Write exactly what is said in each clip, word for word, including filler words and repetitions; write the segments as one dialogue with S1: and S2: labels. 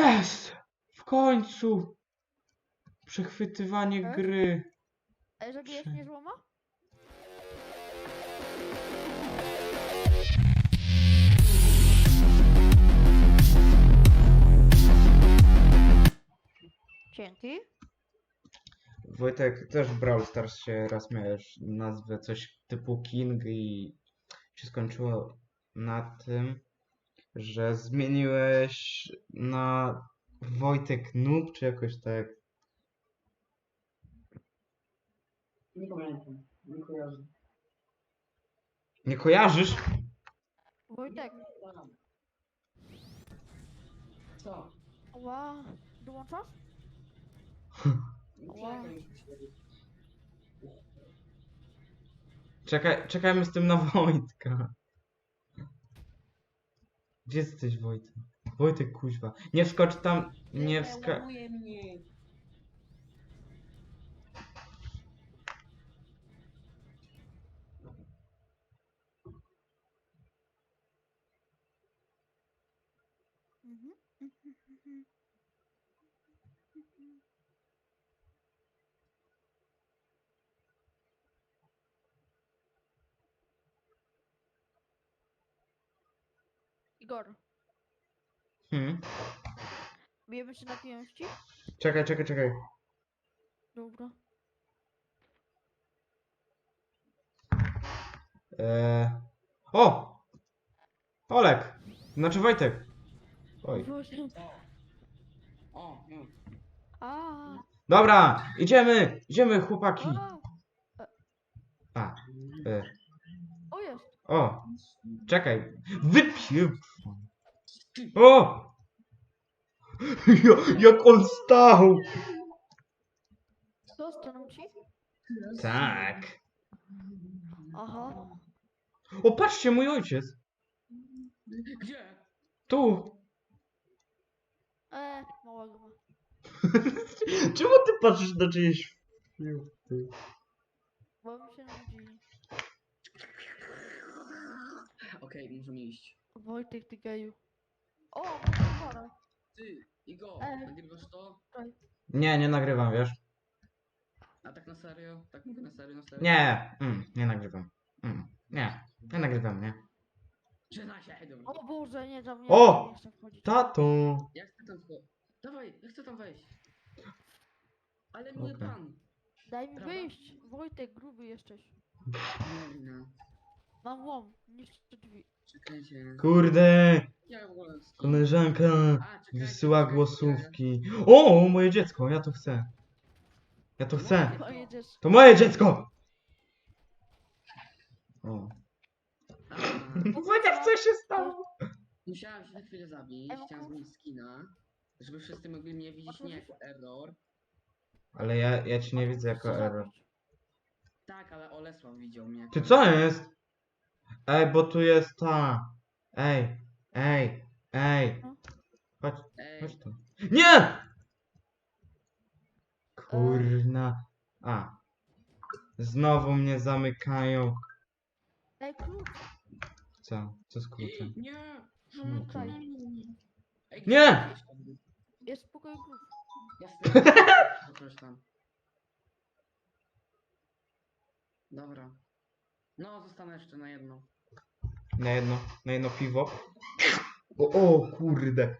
S1: Jest! W końcu! Przechwytywanie
S2: Tak?
S1: gry.
S2: Ale zabijesz
S1: Prze-
S2: mnie złoma? Dzięki.
S1: Wojtek, też w Brawl Stars się raz miałeś nazwę coś typu King i się skończyło na tym, że zmieniłeś na Wojtek Noob, czy jakoś tak.
S3: Nie pamiętam, nie kojarzę.
S1: Nie kojarzysz?
S2: Wojtek.
S3: Co?
S2: Ła. Dołączasz? Wow.
S1: Czekaj, czekajmy z tym na Wojtka. Gdzie jesteś, Wojtek? Wojtek, kuźwa. Nie wskocz tam, nie wska...
S3: Łamuje mnie.
S2: Mhm. Igor,
S1: Hmm?
S2: bijemy się na pięści?
S1: Czekaj, czekaj, czekaj.
S2: Dobra.
S1: Eee... O! Olek! Znaczy Wojtek. Oj.
S2: Boże.
S3: O, już.
S2: A,
S1: Dobra, idziemy! Idziemy, chłopaki!
S2: a.
S1: A. E.
S2: O, jest.
S1: O! Czekaj. Wypił! O! Ja- Jak on stał!
S2: Co, stanął ci?
S1: Tak.
S2: Aha.
S1: O, patrzcie, mój ojciec.
S3: Gdzie?
S1: Tu.
S2: E, małego ma.
S1: Czemu ty patrzysz na czyjeś filmy?
S2: Bo mi się nudzi.
S3: Okej, możemy iść.
S2: Wojtek, ty geju. O, mam
S3: Ty, Igo,
S2: E.
S3: nagrywasz to?
S1: Nie, nie nagrywam, wiesz?
S3: A tak na serio? Tak mówię na serio, na serio?
S1: Nie, mm, nie nagrywam. Mm, nie, nie nagrywam, nie.
S3: Przyznaj się, dobra.
S2: O Boże, nie, tam nie,
S1: O!
S2: nie chcę wchodzić.
S1: Tato!
S3: Ja chcę tam wchodzić. Dawaj, ja chcę tam wejść. Ale mój
S1: Okej.
S3: pan.
S2: Daj mi
S3: Prawda?
S2: wyjść. Wojtek, gruby jesteś.
S3: Nie, no.
S2: Mam łom, niszczę drzwi.
S3: Czekajcie.
S1: Kurde!
S3: Ja w ogóle...
S1: Koleżanka
S3: A, czekajcie,
S1: wysyła
S3: czekajcie,
S1: głosówki. O, moje dziecko, ja to chcę. Ja to chcę.
S2: Pojedziesz.
S1: To moje dziecko! O.
S3: A,
S1: Wojtek, co się stało?
S3: musiałem się na chwilę zabić,
S2: Ej,
S3: chciałem zmienić skina, żeby wszyscy mogli mnie widzieć nie jako error.
S1: Ale ja, ja ci nie widzę jako
S2: Co
S1: error.
S2: zrobić?
S3: Tak, ale Olesław widział mnie jako
S1: Ty co jest? Ej, bo tu jest ta. Ej, ej, ej. Chodź,
S3: Ej,
S1: chodź tu. Nie! Kurna. A. Znowu mnie zamykają.
S2: Daj klucz.
S1: Co? Co z kluczem?
S3: nie!
S1: No to-
S2: Tutaj.
S3: Ej,
S1: Nie!
S3: gdzie-
S2: Jest w pokoju klucz.
S3: Jasne. To coś tam. Dobra. No, zostanę jeszcze na jedno.
S1: Na jedno, na jedno piwo. O, o kurde.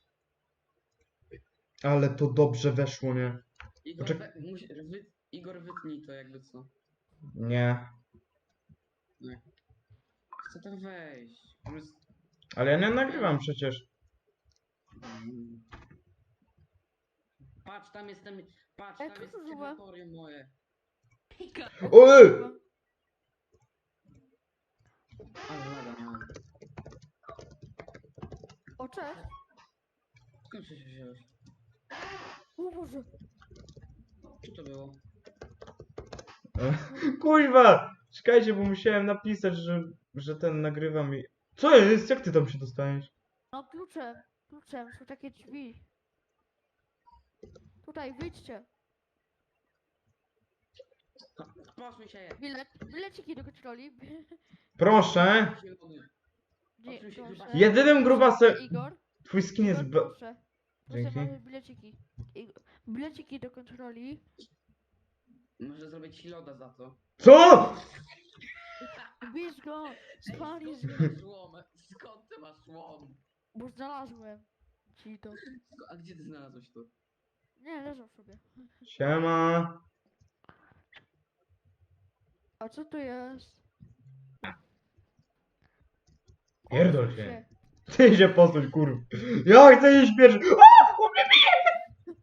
S1: Ale to dobrze weszło, nie?
S3: Igor,
S1: Poczek-
S3: we, musi, wy, Igor wytnij to jakby co.
S1: Nie.
S3: Chcę tam wejść. On jest...
S1: Ale ja nie nagrywam przecież.
S3: Mm. Patrz, tam jest ten... Patrz,
S2: Ej,
S3: tam
S2: co
S3: jest
S2: to za złe?
S3: terytorium moje.
S1: Oj!
S3: Ale laga miałem.
S2: O, cześć.
S3: Skąd się wziąłeś?
S2: O Boże.
S3: Co to było?
S1: Kuźwa! Czekajcie, bo musiałem napisać, że, że ten nagrywa mi. Co jest? Jak ty tam się dostałeś?
S2: No kluczem. Kluczem, są takie drzwi. Tutaj, wyjdźcie.
S3: Poszły się je.
S2: Bilet, bileciki do kontroli.
S1: Proszę!
S3: Zielony.
S2: Nie,
S3: Odsuń się,
S2: proszę.
S3: grubasem.
S1: Jedynym grubasem.
S2: Igor.
S1: Twój skin jest.
S2: Igor,
S1: Ba...
S2: proszę. Proszę,
S1: Dzięki.
S2: mamy bileciki. I- Bileciki do kontroli.
S3: Może zrobić ci loda za to.
S1: Co?
S2: Bierz go! Spalisz
S3: Skąd
S2: go!
S3: ty masz łom? Skąd ty masz łom?
S2: Bo znalazłem ci to.
S3: Sko- A gdzie ty znalazłeś to?
S2: Nie, leżał sobie.
S1: Siema.
S2: A co to jest?
S1: Pierdol
S2: Odsuń
S1: się. Ty się posuń, kurwa. Ja chcę iść pierwszy. O! On mnie bije!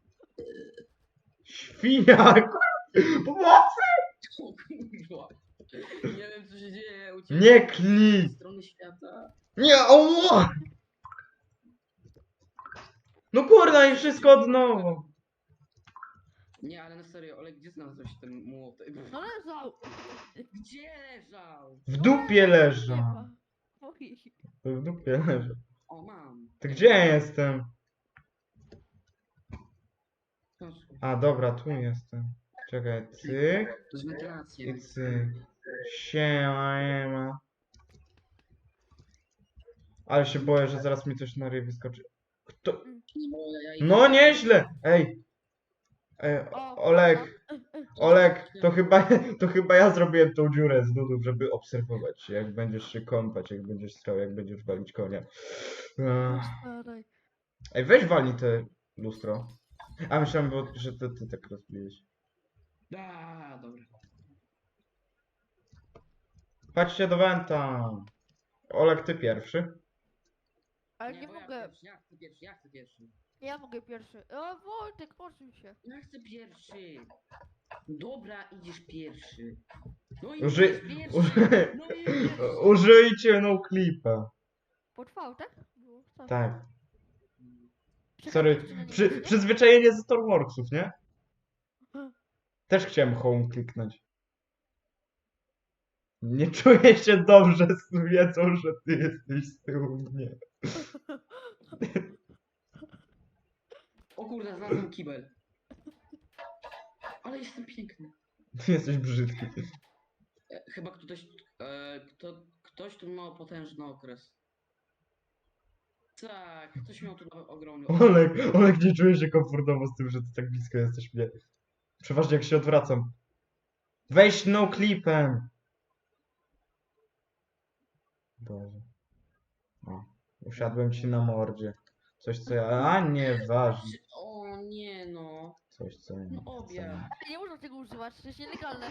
S1: Świnia, kurwa. Pomocy!
S3: O kurwa. Nie wiem co się dzieje u ciebie.
S1: Nie klnij.
S3: Z strony świata.
S1: Nie, o! No kurwa i wszystko od nowa.
S3: Nie, ale na serio, Olek, gdzie znalazłeś ten młotek?
S2: No leżał!
S3: Gdzie leżał?
S1: W dupie leżą.
S2: Nie ma. Oj.
S1: W dupie leżą.
S3: O, mam.
S1: To gdzie ja jestem?
S3: Proszę.
S1: A dobra, tu jestem. Czekaj, cyk
S3: To jest wentylacja.
S1: i cyk. Siema, siema. Ale się boję, że zaraz mi coś na ryj wyskoczy. Kto?
S3: No, ja idę-
S1: No nieźle! Ej! Ej,
S2: O,
S1: Olek, Olek, to chyba, to chyba ja zrobiłem tą dziurę z nudów, żeby obserwować, jak będziesz się kąpać, jak będziesz strał, jak będziesz walić konia. Ech.
S2: Staraj.
S1: Ej, weź walnij te lustro. A myślałem, bo, że ty, ty tak rozbiłeś.
S3: A, dobra.
S1: Chodźcie do Wenta. Olek, ty pierwszy.
S2: Ale nie
S3: bo ja
S2: mogę.
S3: Pierwszy, ja chcę pierwszy, ja chcę pierwszy.
S2: Ja mogę pierwszy. O, Wojtek, odsuń się.
S3: Ja chcę pierwszy. Dobra, idziesz pierwszy. No i
S1: Uży-
S3: idziesz pierwszy.
S1: uży-
S3: No i pierwszy.
S1: Użyjcie no clipa.
S2: Potrwał, tak? Było. Tak.
S1: Tak.
S2: Czekaj,
S1: Sorry.
S2: jeszcze na
S1: Przy,
S2: niego, nie?
S1: przyzwyczajenie ze Star Warsów, nie? Też chciałem home kliknąć. Nie czuję się dobrze z wiedzą, że ty jesteś z tyłu mnie.
S3: O kurde, znalazłem kibel. Ale jestem piękny.
S1: Ty jesteś brzydki.
S3: E, chyba ktoś, e, kto, ktoś tu miał potężny okres. Tak, ktoś miał tu nawet ogromny okres.
S1: Olek, Olek nie czuje się komfortowo z tym, że ty tak blisko jesteś mnie. Przeważnie jak się odwracam. Weź no clipem. Boże. O, usiadłem ci na mordzie. Coś co ja... A nie, ważne.
S3: O nie no.
S1: Coś co ja nie
S3: No
S1: chcę.
S3: obie.
S2: Ale nie można tego używać, to jest nielegalne.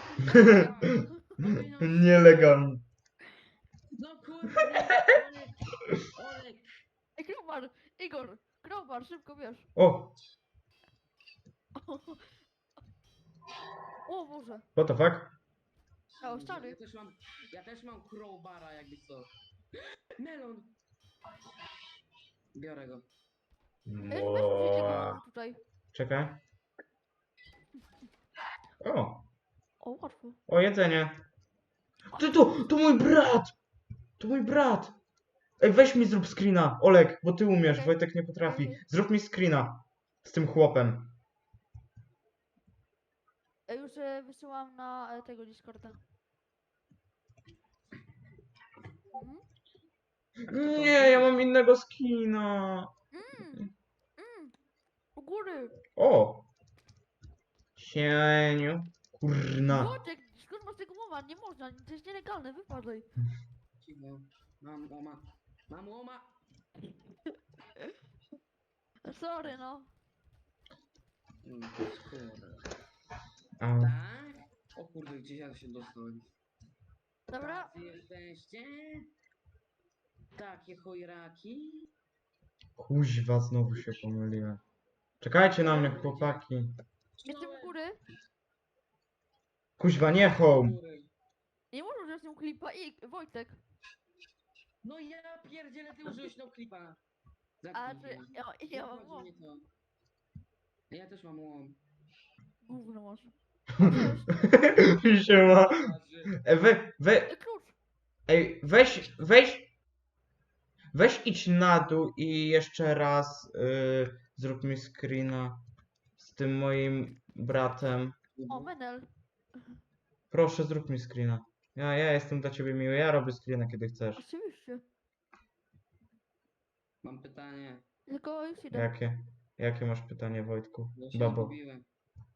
S1: Nielegalnie.
S3: No kurde, Olek, Olek.
S2: Ej, Krowbar! Igor! Krowbar, szybko wiesz.
S1: O,
S2: O Boże.
S1: what the fuck?
S2: O, stary.
S3: Ja też mam, ja też mam crowbara jakby co. Melon. Biorę go.
S2: Ej, weź użyj tego
S1: Ła.
S2: tutaj.
S1: Czekaj. O,
S2: O, łatwo.
S1: o jedzenie. Ty to, to mój brat! To mój brat! Ej, weź mi zrób screena, Olek, bo ty umiesz,
S2: Okej.
S1: Wojtek nie potrafi.
S2: Okej.
S1: Zrób mi screena z tym chłopem.
S2: Ej, już e, wysyłam na e, tego Discorda. Mhm.
S1: Nie, ja mam innego skina.
S2: Mm. Mm. U góry.
S1: O! Sieniu. Kurna.
S2: Wojtek, skąd masz tego mowa? Nie można, to jest nielegalne, wypadaj.
S3: Cicho. Mam łoma. Mam łoma.
S2: Sorry, no.
S3: Mm, kurde.
S1: A,
S3: Tak? O kurde, gdzieś ja się dostałem.
S2: Dobra.
S3: Tacy jesteście? Takie chojraki?
S1: kuźwa, znowu się pomyliłem. Czekajcie na mnie, chłopaki.
S2: Jestem u góry.
S1: Kuźwa, nie home.
S3: Góry.
S2: Nie można wziąć nią klipa i Wojtek.
S3: No ja pierdzielę, ty użyłeś no klipa.
S2: A
S3: Zamknij
S2: ty,
S3: mnie.
S2: ja, ja
S3: Nie
S2: mam
S3: obchodzi
S2: łom.
S3: mnie to. Ja też mam łom.
S2: Gówno masz.
S1: Siema.
S3: Waży.
S1: E, we, we,
S2: Ej, klucz.
S1: ej, weź, weź, weź idź na dół i jeszcze raz y, zrób mi screena z tym moim bratem.
S2: O, Menel.
S1: Proszę, zrób mi screena. Ja, ja jestem dla ciebie miły, ja robię screena kiedy chcesz.
S2: Oczywiście.
S3: Mam pytanie.
S2: Tylko już idę.
S1: Jakie? Jakie masz pytanie, Wojtku?
S3: Bo się
S1: Babo.
S3: zgubiłem.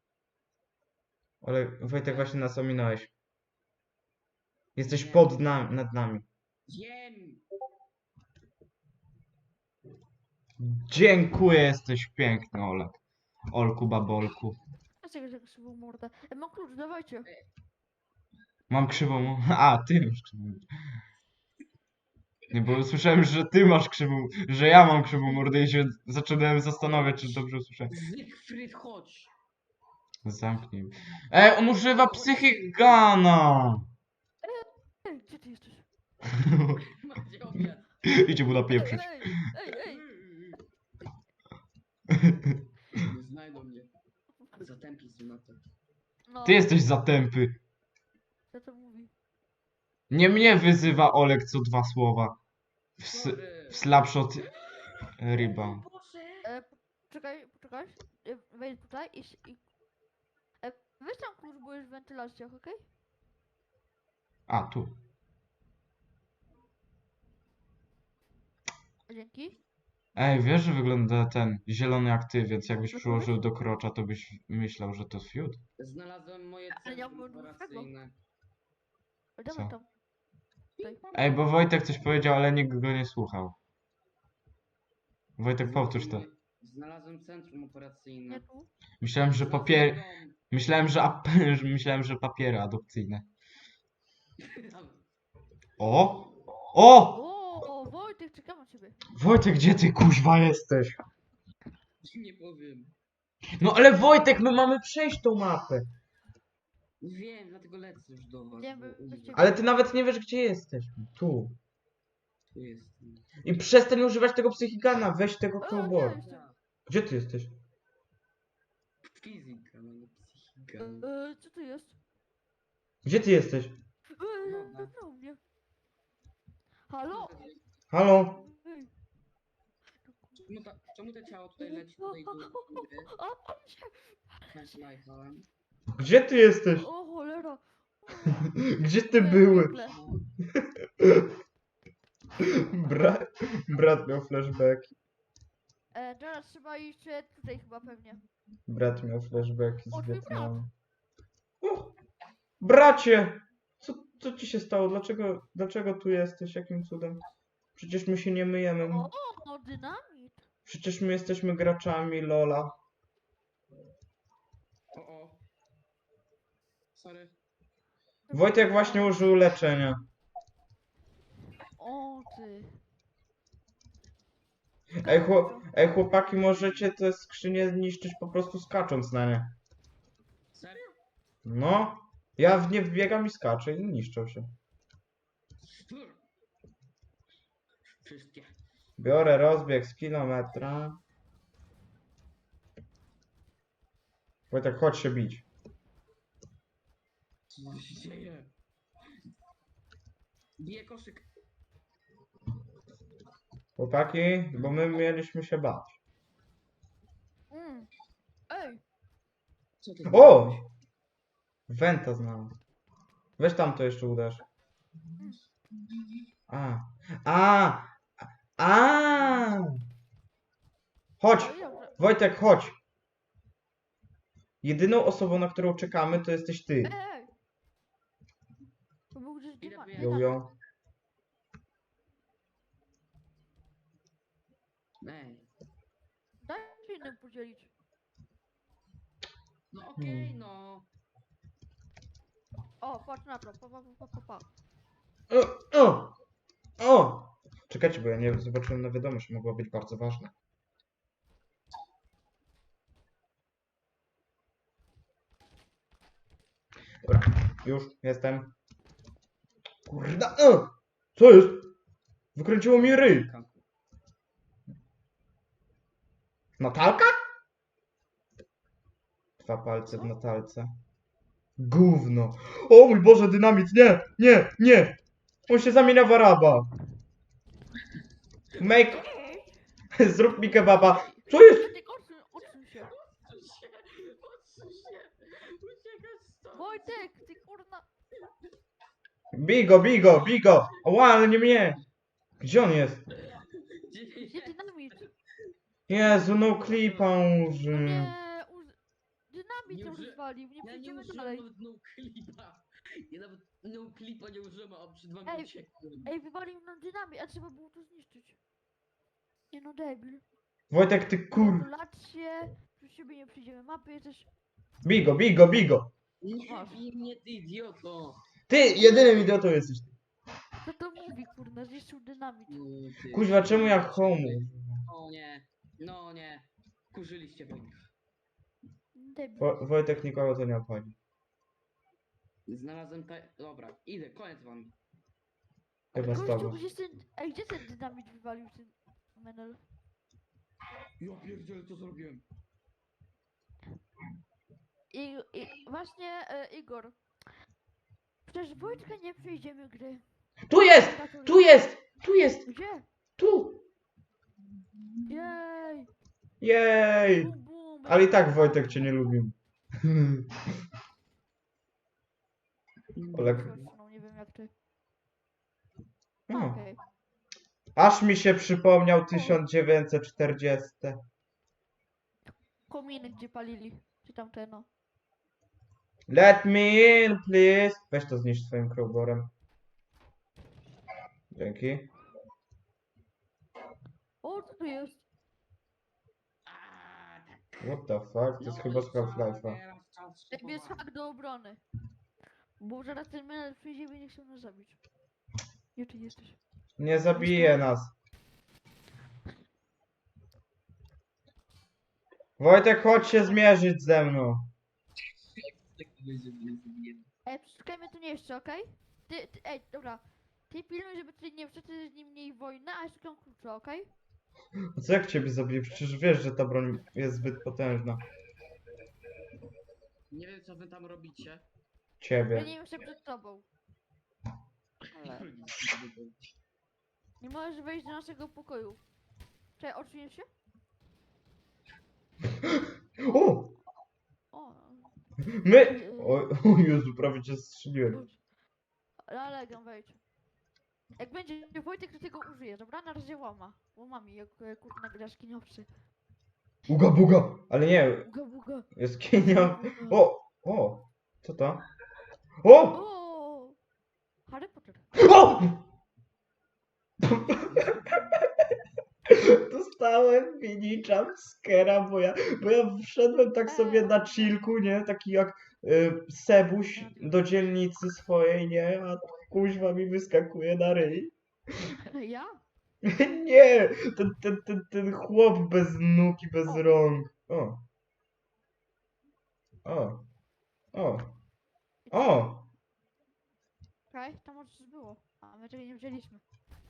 S1: Ale Wojtek, właśnie nas ominąłeś. Jesteś
S3: Nie.
S1: pod nami, nad nami.
S3: Wiem!
S1: Dziękuję, jesteś piękny, Olek. Olku, babolku.
S2: Dlaczego że krzywą mordę? E, mam klucz, dawajcie.
S1: Mam krzywą... A, ty masz krzywą. Nie, bo usłyszałem, że ty masz krzywą... Że ja mam krzywą mordę i się zacząłem zastanawiać, czy dobrze usłyszałem.
S3: Zygfryd, chodź!
S1: Zamknij. Ej, on używa psychigana!
S2: Ej, gdzie ty jesteś?
S3: Macie obiad.
S1: Idzie mu
S2: Ej,
S1: napieprzyć.
S2: ej, ej, ej.
S3: Nie znajdą mnie. Zatępi się na to.
S2: No,
S1: Ty jesteś zatępy.
S2: co to mówi?
S1: Nie mnie wyzywa Olek co dwa słowa. W, s-
S3: Sorry.
S1: w slapshot rebound.
S3: Boże!
S2: E, poczekaj, poczekaj. E, wejdź tutaj i... s- i... E, weź tam klucz, bo jest w wentylacjach, okej?
S1: A, tu.
S2: Dzięki.
S1: Ej, wiesz, że wygląda ten zielony jak ty, więc jakbyś
S2: No to
S1: przyłożył do krocza, to byś myślał, że to fiut.
S3: Znalazłem moje
S2: Ale ja
S3: centrum
S2: byłem
S3: operacyjne.
S2: Ej, dawaj
S1: Co?
S2: tam. Tutaj.
S1: Ej, bo Wojtek coś powiedział, ale nikt go nie słuchał. Wojtek, powtórz to.
S3: Znalazłem centrum operacyjne.
S2: Nie tu.
S1: Myślałem, że
S3: Znalazłem
S1: papier...
S3: dom.
S1: Myślałem, że ap... Myślałem, że papiery adopcyjne. O! O!
S2: O, Wojtek, czekam na ciebie.
S1: Wojtek, gdzie ty kuźwa jesteś?
S3: Nie powiem.
S1: No ale Wojtek, my mamy przejść tą mapę.
S3: Wiem, dlatego lecę już do was.
S2: Wiem,
S3: bo
S2: wy-
S3: umrę.
S2: wyście-
S1: Ale ty nawet nie wiesz, gdzie jesteś. Tu.
S3: Tu jestem.
S1: I przestań używać tego psychigana, weź tego
S2: O,
S1: cowboya.
S2: nie, jestem.
S1: Gdzie ty jesteś?
S3: Fizyka, no nie psychika.
S2: E, co to jest?
S1: Gdzie ty jesteś?
S2: E,
S3: Woda.
S2: wybrał mnie. Halo?
S1: Halo?
S2: Ej.
S3: Czemu, ta, czemu to ciało tutaj leci tutaj do góry?
S2: A, pan się.
S3: Flashlightem.
S1: Gdzie ty jesteś?
S2: O, cholera.
S1: Gdzie ty
S2: Nie,
S1: byłeś?
S2: piekle.
S1: Bra... Brat miał flashbacki.
S2: E, teraz trzeba iść e, tutaj chyba pewnie.
S1: Brat miał flashbacki
S2: O,
S1: z
S2: twój
S1: Wietnamu. O, bracie! Co, co ci się stało? Dlaczego, dlaczego tu jesteś? Jakim cudem? Przecież my się nie myjemy.
S2: O, no dynamit.
S1: Przecież my jesteśmy graczami Lola.
S3: O, o. Sorry.
S1: Wojtek właśnie użył leczenia.
S2: O, ty.
S1: Ej, chłop, ej chłopaki, możecie te skrzynie zniszczyć po prostu skacząc na nie.
S3: Serio?
S1: No, ja w nie wbiegam i skaczę i niszczą się.
S3: Wszystkie.
S1: Biorę rozbieg z kilometra. Wojtek, chodź się bić.
S3: Co się dzieje? Bije koszyk.
S1: Chłopaki, bo my mieliśmy się bać.
S2: Mm. Ej,
S3: Co ty
S1: O!
S3: zrobiłeś?
S1: Wenta znalazł. Weź tam to jeszcze uderz. A. A! A! Chodź!
S2: no i dobrze.
S1: Wojtek, chodź! Jedyną osobą, na którą czekamy, to jesteś ty.
S2: Ej, ej. To był gdzieś
S3: Idę
S2: dyma-
S3: tu
S1: Jo,
S2: dynamit.
S1: jo.
S3: Ej.
S2: Daj się innym podzielić.
S3: No okej, no.
S2: O, patrz na to. Pa, pa, pa, pa, pa.
S1: O! O! O! Czekajcie, bo ja nie zobaczyłem na wiadomość, mogła być bardzo ważna. Dobra, już jestem. Kurda! O! Co jest? Wykręciło mi ryj. Natalka? Dwa palce w Natalce. Gówno. O mój Boże, dynamit, nie, nie, nie. On się zamienia w Araba. Make... Zrób mi kebaba. Co jest?
S2: Wojtek, odsuń, odsuń się.
S3: Odsuń się! Odsuń się! Uciekaj stąd!
S2: Wojtek, ty kurna.
S1: Bigo, bigo, bigo. Ła, ale nie mnie. Gdzie on jest?
S3: Gdzie
S2: Gdzie dynamit?
S1: Jezu, no clipa
S2: No
S1: uży.
S2: nie, uz... dynamit
S3: Nie
S2: to
S3: uży-
S2: rozwalił, nie
S3: Ja nie
S2: przejdziemy
S3: użyłem
S2: dalej.
S3: nawet no clipa. Ja nawet no clipa nie użyłem, a przed wami
S2: Ej,
S3: uciekłem.
S2: Ej, wywalił nam dynamit, a trzeba było to zniszczyć. Nie no, debil.
S1: Wojtek, ty kur...
S2: Gratulacje, przy siebie nie przyjdziemy mapy, jesteś...
S1: Bigo, bigo, bigo.
S3: Nie
S2: Masz.
S3: bij mnie, ty idioto.
S1: Ty, jedynym idiotą jesteś ty.
S2: Co to mówi, kurna, zniszczył dynamit.
S3: No, ty.
S1: Kuźwa, czemu ja homu?
S3: O nie, no nie. Kurzyliście Wojtek.
S2: Debil.
S1: Wo Wojtek nikogo to nie obchodzi.
S3: Znalazłem te... Dobra, idę, koniec wam.
S1: Chyba z
S2: Gościu,
S1: tobą.
S2: gdzie ten... Ej, gdzie ten dynamit wywalił, ten menel?
S3: Ja pierdzielę, co zrobiłem.
S2: I, i właśnie, e, Igor. Przecież Wojtka nie przejdziemy gry.
S1: Tu jest! Tu jest! Tu jest!
S2: Gdzie?
S1: Tu!
S2: Jej!
S1: Jej!
S2: Bum, bum,
S1: Ale i tak Wojtek cię nie lubił. Olek.
S2: No, nie wiem jak ty.
S1: No.
S2: Okej.
S1: Aż mi się przypomniał tysiąc dziewięćset czterdziesty.
S2: Kominy gdzie palili. Czy tam te no.
S1: Let me in, please. Weź to zniszcz swoim crowborem. Dzięki.
S2: O, co tu jest?
S3: A, tak.
S1: What the fuck? To jest
S3: No
S1: chyba
S3: i
S1: z
S3: co,
S1: Half-Life'a.
S3: teraz czas
S2: Ej, jest
S3: szybowania.
S2: hak do obrony. Bo zaraz ten menel przyjdzie i nie chciał nas zabić. Gdzie ty jesteś?
S1: Nie zabije nas. Wojtek, chodź się zmierzyć ze mną.
S3: Tak będzie, mnie zabije.
S2: Ej, przeszukajmy tu nie jeszcze, okej? Ty, ty, ej, dobra. Ty pilnuj, żeby tutaj nie wszedł z nim mniej wojna, a ja szukam klucza, okej?
S1: A co jak ciebie zabije? Przecież wiesz, że ta broń jest zbyt potężna.
S3: Nie wiem, co wy tam robicie.
S2: Ja
S1: Ciebie.
S2: nie jeszcze przed tobą. Ale nie możesz wejść do naszego pokoju. Czekaj, odsuniesz się?
S1: O!
S2: O,
S1: My! O, o Jezu, prawie cię strzeliłem.
S2: Alegam, wejdź. Jak będzie Wojtek, to tego użyję, dobra? Na razie łama. Łamami, jak e, kurna grasz kiniowcy.
S1: Uga buga! Ale nie,
S2: Buga, buga.
S1: jest kinia.
S2: buga.
S1: O! O! Co to? O!
S2: O! Harry Potter.
S1: O! Dostałem mini jumpscare'a, bo ja, bo ja wszedłem tak sobie na chillku, nie? Taki jak y, Sebuś do dzielnicy swojej, nie? A kuźwa mi wyskakuje na ryj.
S2: Ja?
S1: Nie! Ten, ten, ten, ten chłop bez nóg i bez
S2: O.
S1: rąk. O. O. O. O.
S2: Okej, tam może coś było. A my tego nie wzięliśmy.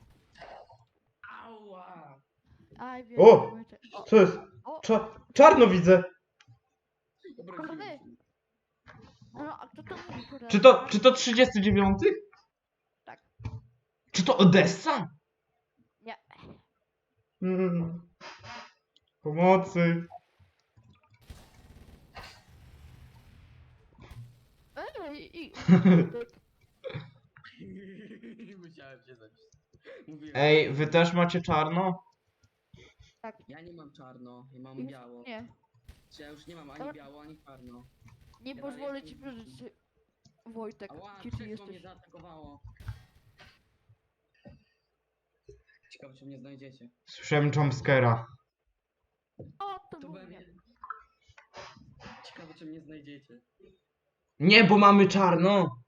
S3: Ała!
S2: Aj, wiem.
S1: O!
S2: Wojtek. O,
S1: Co jest?
S2: o,
S1: Cza czarno widzę!
S3: Dobra,
S2: Kochany.
S3: wziąłem.
S2: no, a kto to mówi? Kurde?
S1: Czy to, czy to trzydziesty dziewiąty?
S2: Tak.
S1: Czy to Odessa?
S2: Nie.
S1: Mm. Pomocy.
S2: Ej, i...
S3: Musiałem się zabić. Mówiłem.
S1: Ej, wy też macie czarno?
S3: Ja nie mam czarno, ja mam
S2: Już
S3: biało.
S2: Nie.
S3: Czy ja już nie mam ani
S2: Dobra.
S3: biało, ani czarno.
S2: Nie
S3: Ja
S2: pozwolę
S3: dalej
S2: ci
S3: jestem-
S2: przeżyć. Wojtek,
S3: Ała,
S2: gdzie ty
S3: krzesło mnie
S2: jesteś?
S3: zaatakowało. Ciekawe, czy mnie znajdziecie.
S1: Słyszałem jumpscare'a.
S2: O, to
S3: To
S2: był
S3: we
S2: mnie.
S3: mnie. Ciekawe, czy mnie znajdziecie.
S1: Nie, bo mamy czarno.